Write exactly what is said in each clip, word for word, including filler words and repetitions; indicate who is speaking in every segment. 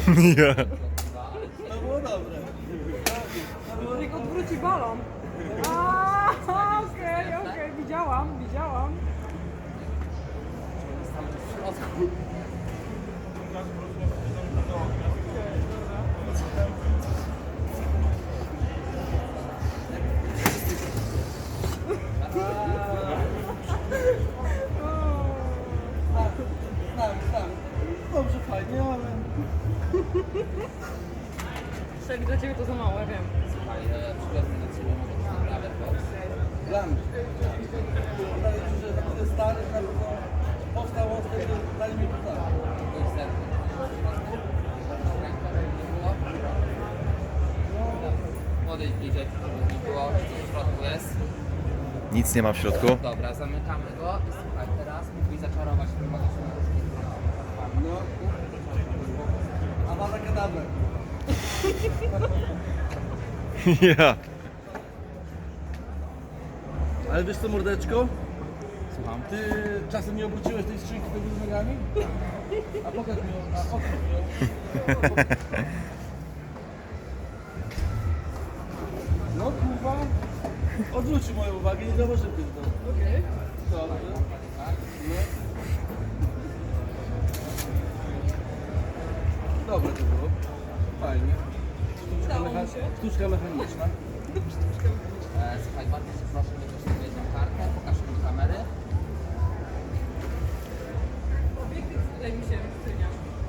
Speaker 1: Ja.
Speaker 2: To było dobre.
Speaker 3: Niech odwróci balon. A, okej, okej, widziałam, widziałam.
Speaker 4: Tam w środku.
Speaker 2: Tak, tak, tak. Dobrze, fajnie, ale...
Speaker 3: Szek, dla ciebie to za mało, ja wiem.
Speaker 4: Słuchaj, e, przywiozłem do ciebie może naprawdę box.
Speaker 2: Dla mnie. Wydaje mi się, że taki stary na pewno powstał on wtedy, dali mi to tak.
Speaker 4: To jest serce. Ręka nie było. Podejdź bliżej, żeby nie było. Co w środku jest?
Speaker 1: Nic nie ma w środku.
Speaker 4: Dobra, zamykamy go i słuchaj, teraz mógłbyś zaczarować tym magicznym różkiem.
Speaker 2: No. A ma takie dawne.
Speaker 1: Ja.
Speaker 2: Ale wiesz co, mordeczko?
Speaker 4: Słucham.
Speaker 2: Ty czasem nie obróciłeś tej skrzynki do góry nogami? A pokaż mi ją, a pokaż mi ją. No kurwa, odwrócił moją uwagę, nie zauważyłem tego. Okej. Dobrze. No. Dobre to było. Fajnie. Sztuczka,
Speaker 3: Udało mi
Speaker 2: mecha-
Speaker 3: się.
Speaker 2: sztuczka mechaniczna.
Speaker 4: E, słuchaj, bardzo cię proszę, weź sobie jedną kartę, pokaż mi do kamery.
Speaker 3: Obiektyw tutaj mi się wycenia.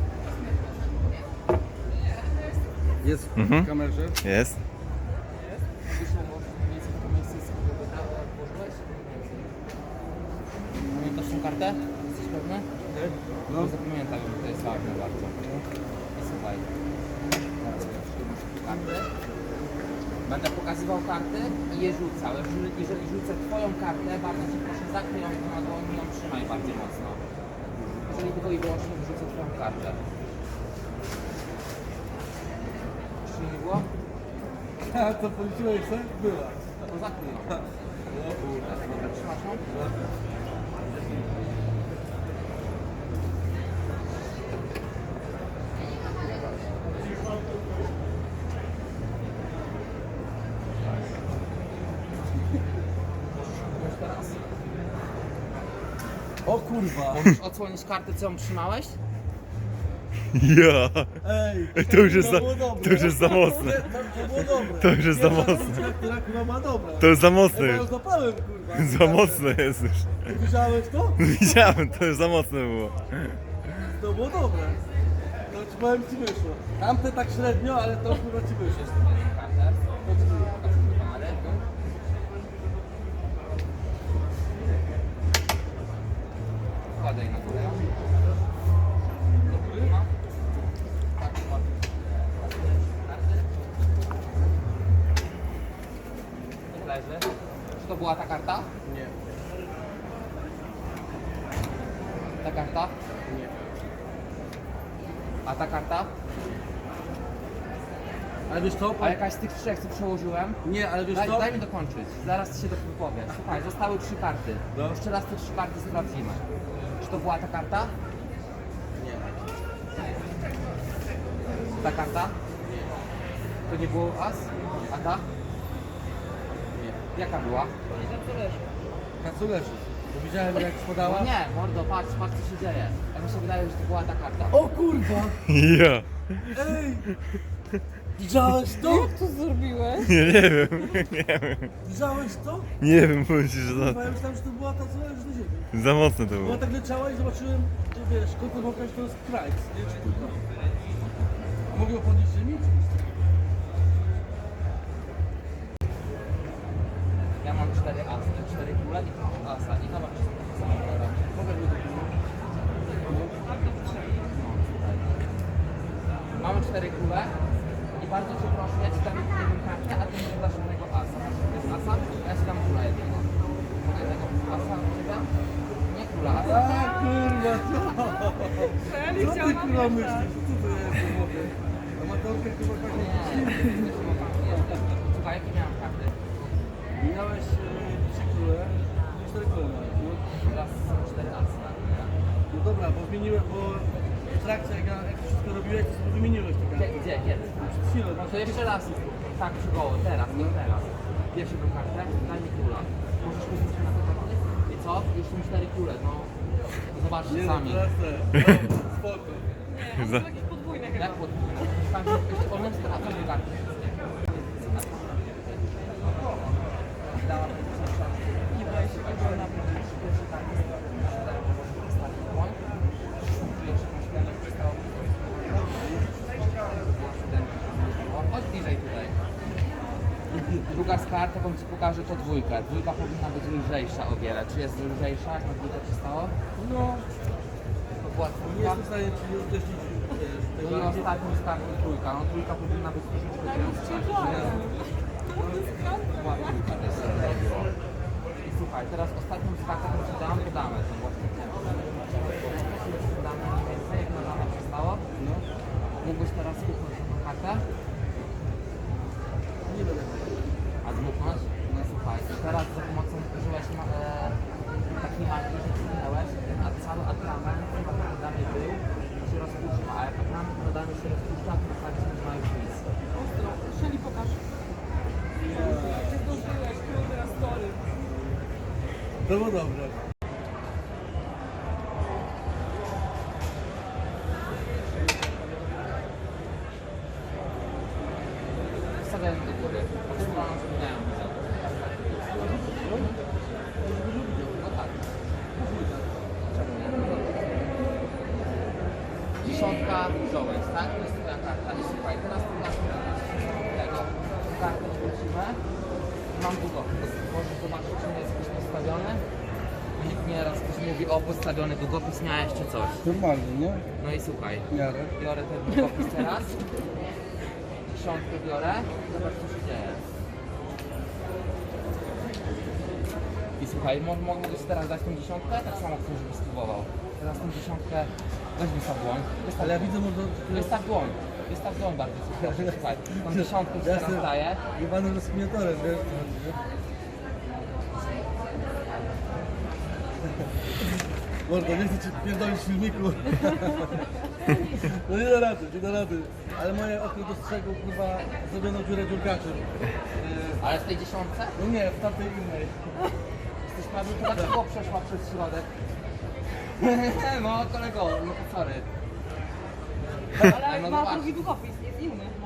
Speaker 2: Jest w
Speaker 1: Mhm.
Speaker 2: kamerze.
Speaker 1: Jest.
Speaker 4: Myślę, bo mniej więcej to miejsce jest sobie wybrało, jak włożyłeś. Pamiętasz tą kartę? Jesteś pewny?
Speaker 2: No.
Speaker 4: No. Zapamiętaj ją, to jest ważne bardzo. I słuchaj, teraz przyjmę kartę. Będę pokazywał karty i je rzucał. Jeżeli, jeżeli rzucę twoją kartę, bardzo cię proszę zakryj ją na dłoni i ją trzymaj bardzo mocno. Jeżeli tylko i wyłącznie wyrzucę twoją kartę. Czy nie było?
Speaker 2: A co policzyłeś, co? Była.
Speaker 4: To zakryj ją. Dobra, trzymasz ją? Teraz.
Speaker 2: O kurwa.
Speaker 4: Możesz odsłonić kartę, co ją trzymałeś?
Speaker 1: Ja.
Speaker 2: Ej,
Speaker 1: To już jest za,
Speaker 2: było dobre.
Speaker 1: to już jest za mocne.
Speaker 2: To, to było dobre.
Speaker 1: To już jest za
Speaker 2: Pierwsza
Speaker 1: mocne.
Speaker 2: sztuczka, która kurwa ma dobra.
Speaker 1: To jest za mocne
Speaker 2: Ja
Speaker 1: już.
Speaker 2: ją zapałem, kurwa.
Speaker 1: Za mocne jest już.
Speaker 2: Widziałeś to?
Speaker 1: Widziałem, to już za mocne było.
Speaker 2: To było dobre. To ci powiem, ci wyszło. Tamte tak średnio, ale to kurwa ci wyszło.
Speaker 4: Kartę. Pokaż mi do kamery. Wkładaj na górę. Do góry? No. Tak, ładnie. Karty. Niech leży. Czy to była ta karta?
Speaker 2: Nie.
Speaker 4: Ta karta?
Speaker 2: Nie.
Speaker 4: A ta karta?
Speaker 2: Ale wiesz co?
Speaker 4: A jakaś z tych trzech, co przełożyłem?
Speaker 2: Nie, ale wiesz
Speaker 4: Daj,
Speaker 2: co?
Speaker 4: daj mi dokończyć, zaraz się dopowiem. Słuchaj, zostały trzy karty.
Speaker 2: No.
Speaker 4: Jeszcze raz te trzy karty sprawdzimy. Czy to była ta karta?
Speaker 2: Nie.
Speaker 4: Ta karta? To nie było as? A ta?
Speaker 2: Nie.
Speaker 4: Jaka była?
Speaker 2: Kacu leży. Bo widziałem jak spadała.
Speaker 4: No nie, mordo, patrz, patrz co się dzieje. Ja mi się wydaje, że to była ta karta.
Speaker 2: O kurwa!
Speaker 1: Ja.
Speaker 2: Ej! Widziałeś to?
Speaker 3: Jak to zrobiłeś?
Speaker 1: Nie, nie wiem. Nie wiem.
Speaker 2: Widziałeś to?
Speaker 1: Nie wiem, powiem ci, że
Speaker 2: Kurwa,
Speaker 1: za,
Speaker 2: ja myślałem, że to była ta, co leży na ziemi.
Speaker 1: za mocne to
Speaker 2: Bo
Speaker 1: było.
Speaker 2: tak leciała i zobaczyłem, że wiesz, kogo pokaż to jest Christ, nie? Czy kurwa. A mogę ją podnieść z ziemi?
Speaker 4: Ja mam cztery asy, cztery kule i asa. I zobacz, czy są takie same kolory.
Speaker 2: Mogę mi to
Speaker 4: Mamy cztery kule i bardzo cię proszę, ja ci dam jedną kartę, a ty mi dasz jednego asa. To jest asa, a ja ci dam kula jednego. Mogę tego asa od ciebie? Nie kula, asa.
Speaker 2: A kurwa, co?
Speaker 3: Feli
Speaker 2: Co ty
Speaker 3: chciała
Speaker 2: kurwa
Speaker 3: pamiętać.
Speaker 2: myślisz? Co to jest? Mówię. Amatorka chyba tak
Speaker 4: Nie,
Speaker 2: nie
Speaker 4: nie jeszcze. Słuchaj, jakie miałem karty?
Speaker 2: Miałeś e, trzy kule i cztery kule miałeś, no.
Speaker 4: Teraz są cztery asy.
Speaker 2: No dobra, bo zmieniłem, bo w trakcie, jak, ja- jak to wszystko robiłeś, to sobie wymieniłeś te
Speaker 4: Gdzie,
Speaker 2: karty.
Speaker 4: gdzie, kiedy?
Speaker 2: Przed chwilą,
Speaker 4: No to jeszcze raz, tak przy goło, teraz, nie teraz. Pierwszy tą kartę, daj mi kula. Możesz później się na to patrzeć? I co? Już są cztery kule, no. Zobaczcie
Speaker 2: Nie no,
Speaker 4: sami.
Speaker 2: teraz te. No, spoko.
Speaker 3: Nie, on są jakieś podwójne chyba.
Speaker 4: Jak podwójne? Tam on jest a to dwie karty. Dałam
Speaker 3: Nie boję się tego naprawdę.
Speaker 4: pierwszy karty. Ostatni błąd. Jeszcze masz jeden, zostało. Chodź bliżej tutaj. Druga z kart, jaką ci pokażę, to dwójka. Dwójka powinna być lżejsza o wiele. Czy jest lżejsza, jak na dwójkę ci stało?
Speaker 2: No,
Speaker 4: To była
Speaker 2: nie
Speaker 4: trójka.
Speaker 2: jestem w stanie ci odleśnić wiesz,
Speaker 4: No
Speaker 2: tego.
Speaker 4: i ostatnią z kart to trójka. No trójka powinna być troszeczkę cięższa. Była trójka też. I słuchaj, teraz ostatnią z kart, jaką ci dam, to damy. To właśnie ciężko. Damy mniej więcej, jak na dane przystało.
Speaker 2: No,
Speaker 4: Mógłbyś teraz kupić tą kartę?
Speaker 2: nie będę.
Speaker 4: A dmuchnąć? No słuchaj, i teraz za pomocą użyłeś ma, e, takiej magii, że kliknąłeś, a cały atrament chyba na damy był, się rozpuszcza, a jak atrament na damy się rozpuszcza, to tak się ma już nic.
Speaker 3: Ostro. Szeli, pokaż. Nie zdążyłeś, kurde, na story.
Speaker 2: To było dobre.
Speaker 4: Wstawiałem do góry, po prostu mam zmieniają widzę. No tak. Czemu nie? Dziesiątka wziąłeś, tak? To jest twoja karta. I słuchaj, teraz tu masz tego. Kartę wrócimy. Mam długopis. Możesz zobaczyć, czy nie jest jakiś postawiony. Bo nikt nie raz ktoś mówi, o postawiony długopis, miałeś czy coś.
Speaker 2: Normalnie, nie?
Speaker 4: No i słuchaj,
Speaker 2: W miarę.
Speaker 4: biorę ten długopis teraz. Dziesiątkę biorę. Zobacz, co się dzieje. I słuchaj, mo- mo- mogę ci teraz dać tą dziesiątkę? Tak samo chcę, żebyś spróbował. Teraz tą dziesiątkę, weź wystaw dłoń. Wystaw
Speaker 2: Ale ja
Speaker 4: dłoń.
Speaker 2: widzę, może...
Speaker 4: Wystaw dłoń. Wystaw dłoń bardzo ci proszę. Słuchaj, tą dziesiątkę ci
Speaker 2: Ja
Speaker 4: teraz
Speaker 2: jestem
Speaker 4: daję.
Speaker 2: jebanym rozkminiatorem, wiesz co chodzi, nie? Mordo, nie chcę ci pierdolić w filmiku. No nie da rady, nie da rady. Ale moje oko dostrzegło, kurwa, zrobioną dziurę dziurkaczem. Yy,
Speaker 4: Ale w tej dziesiątce?
Speaker 2: No nie, w tamtej innej.
Speaker 4: Jesteś prawie, to dlaczego przeszła przez środek? No kolego, no to sorry.
Speaker 3: Ale
Speaker 4: no
Speaker 3: ma
Speaker 4: zobacz.
Speaker 3: drugi długopis, jest inny.